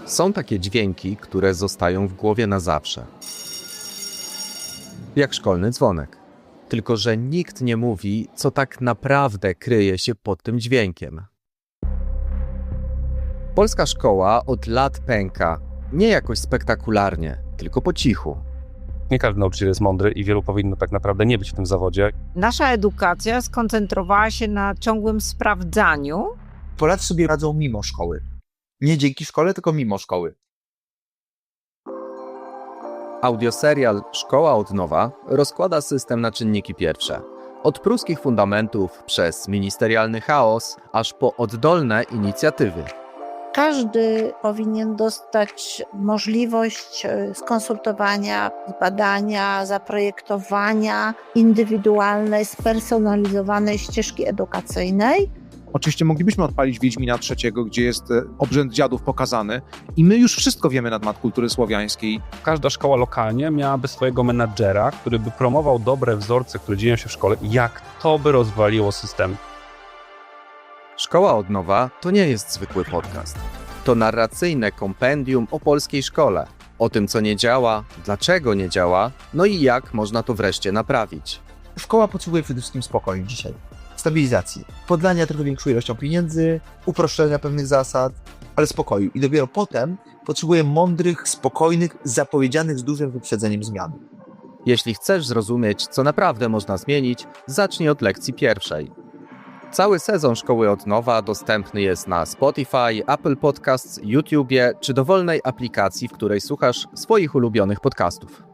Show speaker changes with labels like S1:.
S1: Są takie dźwięki, które zostają w głowie na zawsze. Jak szkolny dzwonek. Tylko że nikt nie mówi, co tak naprawdę kryje się pod tym dźwiękiem. Polska szkoła od lat pęka. Nie jakoś spektakularnie, tylko po cichu.
S2: Nie każdy nauczyciel jest mądry i wielu powinno tak naprawdę nie być w tym zawodzie.
S3: Nasza edukacja skoncentrowała się na ciągłym sprawdzaniu.
S4: Polacy sobie radzą mimo szkoły. Nie dzięki szkole, tylko mimo szkoły.
S1: Audioserial Szkoła od nowa rozkłada system na czynniki pierwsze. Od pruskich fundamentów przez ministerialny chaos, aż po oddolne inicjatywy.
S5: Każdy powinien dostać możliwość skonsultowania, zbadania, zaprojektowania indywidualnej, spersonalizowanej ścieżki edukacyjnej.
S6: Oczywiście moglibyśmy odpalić Wiedźmina III, gdzie jest obrzęd dziadów pokazany i my już wszystko wiemy na temat kultury słowiańskiej.
S2: Każda szkoła lokalnie miałaby swojego menadżera, który by promował dobre wzorce, które dzieją się w szkole i jak to by rozwaliło system.
S1: Szkoła od nowa to nie jest zwykły podcast. To narracyjne kompendium o polskiej szkole. O tym, co nie działa, dlaczego nie działa, no i jak można to wreszcie naprawić.
S4: Szkoła potrzebuje przede wszystkim spokoju dzisiaj. Stabilizacji, podlania trochę większą ilością pieniędzy, uproszczenia pewnych zasad, ale spokoju. I dopiero potem potrzebuje mądrych, spokojnych, zapowiedzianych z dużym wyprzedzeniem zmian.
S1: Jeśli chcesz zrozumieć, co naprawdę można zmienić, zacznij od lekcji pierwszej. Cały sezon Szkoły od nowa dostępny jest na Spotify, Apple Podcasts, YouTubie czy dowolnej aplikacji, w której słuchasz swoich ulubionych podcastów.